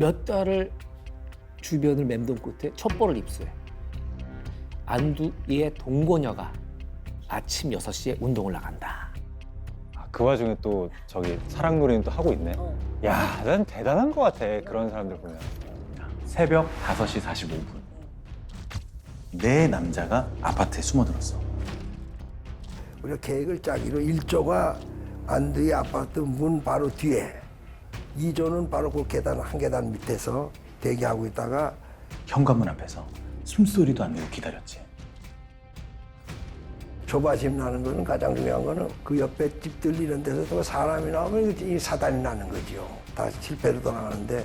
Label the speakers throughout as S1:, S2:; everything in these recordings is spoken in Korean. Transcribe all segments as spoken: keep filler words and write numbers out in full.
S1: 몇 달을 주변을 맴돈 끝에 첩보를 입수해. 안두희의 동거녀가 아침 여섯 시에 운동을 나간다.
S2: 아, 그 와중에 또 저기 사랑놀이는 또 하고 있네.
S3: 어.
S2: 야, 난 대단한 것 같아. 그런 사람들 보면.
S4: 새벽 다섯 시 사십오 분. 네 남자가 아파트에 숨어들었어.
S5: 우리가 계획을 짜기로 일 조가 안두희 아파트 문 바로 뒤에, 이 조는 바로 그 계단 한 계단 밑에서 대기하고 있다가
S4: 현관문 앞에서 숨소리도 안 내고 기다렸지.
S5: 조바심 나는 거는, 가장 중요한 거는 그 옆에 집들 이런 데서 또 사람이 나오면 이 사단이 나는 거죠. 다 실패로 돌아가는데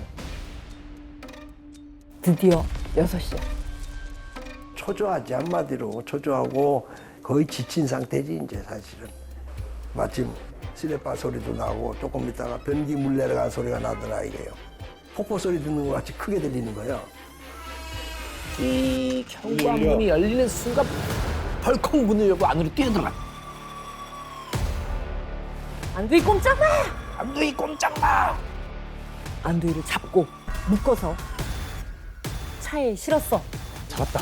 S3: 드디어 여섯 시야.
S5: 초조하지, 한마디로 초조하고 거의 지친 상태지 이제 사실은. 마침 시레빠 소리도 나고 조금 있다가 변기 물 내려가는 소리가 나더라 이게요. 폭포 소리 듣는 것 같이 크게 들리는 거예요.
S1: 이 현관문이 열리는 순간 벌컥 문을 열고 안으로 뛰어들어가.
S3: 안두희 꼼짝 마!
S1: 안두희 꼼짝 마!
S3: 안두희를 잡고 묶어서 차에 실었어.
S1: 잡았다.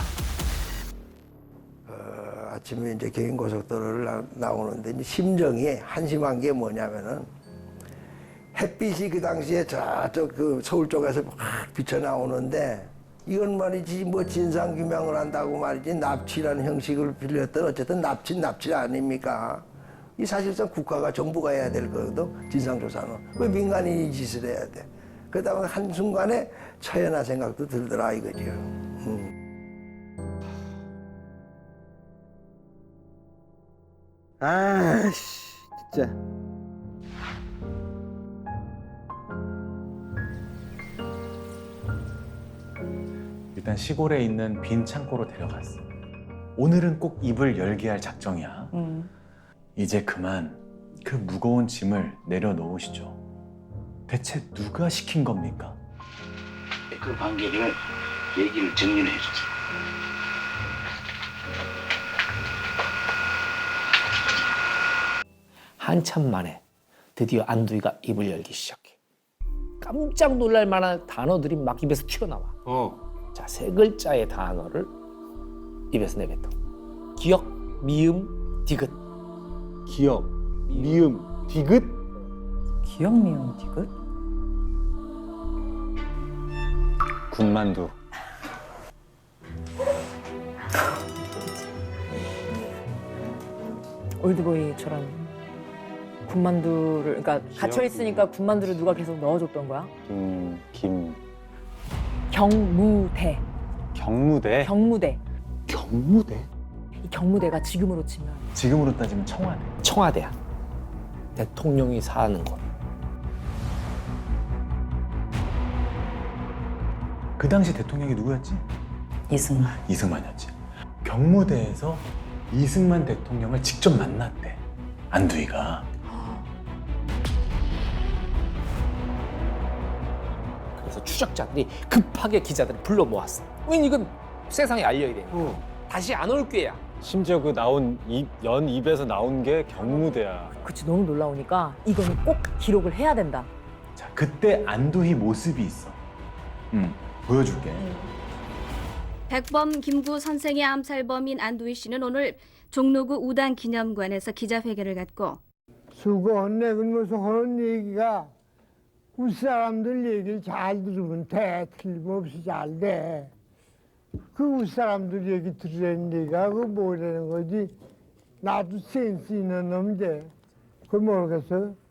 S5: 어, 아침에 이제 개인고속도로를 나, 나오는데 이제 심정이 한심한 게 뭐냐면은 햇빛이 그 당시에 저쪽 그 서울 쪽에서 막 비쳐 나오는데, 이건 말이지 뭐 진상 규명을 한다고 말이지 납치라는 형식을 빌렸던 어쨌든 납치 납치 아닙니까? 이 사실상 국가가 정부가 해야 될 거거든. 진상조사는 왜 민간인이 이 짓을 해야 돼? 그러다가 한 순간에 처연한 생각도 들더라 이거죠. 음.
S6: 아씨, 진짜.
S4: 일단 시골에 있는 빈 창고로 데려갔어. 오늘은 꼭 입을 열게 할 작정이야.
S3: 음.
S4: 이제 그만 그 무거운 짐을 내려놓으시죠. 대체 누가 시킨 겁니까?
S7: 그 관계를 얘기를 정리를 해주세요.
S1: 한참 만에 드디어 안두희가 입을 열기 시작해. 깜짝 놀랄 만한 단어들이 막 입에서 튀어나와.
S6: 어.
S1: 자, 세 글자의 단어를 입에서 내뱉어. 기억, 미음, 디귿.
S6: 기억, 미음, 디귿?
S3: 기억 미용 디귿?
S2: 군만두.
S3: 올드보이처럼 군만두를, 그러니까 갇혀 있으니까 군만두를 누가 계속 넣어줬던 거야?
S2: 김, 김,
S3: 경무대.
S2: 경무대.
S3: 경무대.
S6: 경무대?
S3: 이 경무대가 지금으로 치면
S4: 지금으로 따지면 청와대.
S1: 청와대야. 대통령이 사는 곳.
S4: 그 당시 대통령이 누구였지?
S3: 이승만.
S4: 이승만이었지. 경무대에서 이승만 대통령을 직접 만났대. 안두희가.
S1: 그래서 추적자들이 급하게 기자들을 불러 모았어. 왜냐면 이건 세상에 알려야 돼.
S6: 어.
S1: 다시 안 올 게야.
S2: 심지어 그 나온 입, 연 입에서 나온 게 경무대야.
S3: 그치, 너무 놀라우니까 이거는 꼭 기록을 해야 된다.
S4: 자, 그때 안두희 모습이 있어. 응, 보여줄게.
S8: 백범 김구 선생의 암살범인 안두희 씨는 오늘 종로구 우단기념관에서 기자회견을 갖고
S9: 수고했네. 그러면서 하는 얘기가 우리 사람들 얘기를 잘 들으면 돼. 틀림없이 잘 돼. 그 우리 사람들 얘기 들으라는 얘기가 그 뭐라는 거지. 나도 센스 있는 놈인데 그걸 모르겠어.